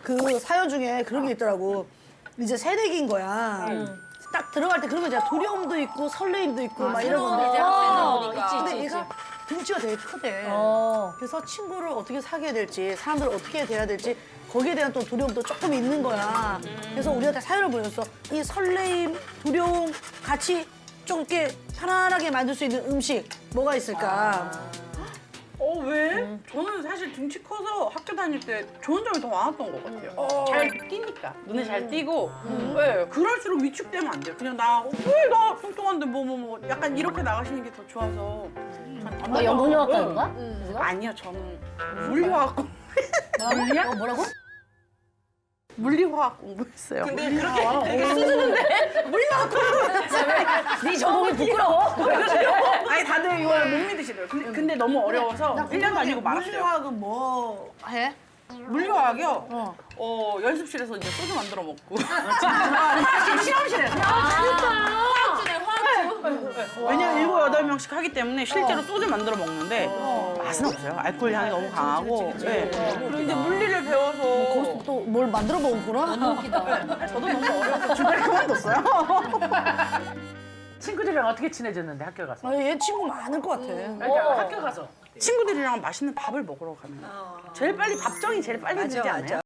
그 사연 중에 그런 게 있더라고. 이제 새내기인 거야. 딱 들어갈 때 그런 거 있잖아. 두려움도 있고 설레임도 있고 막 이런 건데. 이제 학생이다 보니까. 근데 얘가 등치가 되게 크대. 그래서 친구를 어떻게 사귀어야 될지, 사람들을 어떻게 대해야 될지 거기에 대한 또 두려움도 조금 있는 거야. 그래서 우리한테 사연을 보냈어. 이 설레임, 두려움 같이 좀 이렇게 편안하게 만들 수 있는 음식 뭐가 있을까? 왜? 저는 사실 등치 커서 학교 다닐 때 좋은 점이 더 많았던 것 같아요. 잘 띄니까. 눈에 잘 띄고. 네, 그럴수록 위축되면 안 돼요. 그냥 나 뚱뚱한데 뭐 약간 이렇게 나가시는 게 더 좋아서. 너 연극영화과인가? 아니요, 저는 물리화학 물리야? 뭐라고? 물리화학 공부했어요. 근데 그렇게 수준인데? 물리화학 네 전공이 부끄러워? 아니 다들 이걸 못 믿으시더라고요. 근데 너무 어려워서 1년 다니고 말았어요. 물리화학은 뭐 해? 물리화학이요? 연습실에서 이제 소주 만들어 먹고. 실험실에서. 왜냐면 7, 8명씩 하기 때문에 실제로 소주 만들어 먹는데 맛은 없어요. 알코올 향이 너무 강하고. 네. 그리고 이제 물리를 배워서 거기서 또 뭘 만들어 먹었구나? 너무 웃기다. 저도 너무 어려워서 중간에 그만뒀어요. 친구들이랑 어떻게 친해졌는데 학교 가서? 아, 얘 친구 많을 것 같아. 그러니까 학교 가서. 친구들이랑 맛있는 밥을 먹으러 가면 제일 빨리 밥정이 제일 빨리 되지 않아요?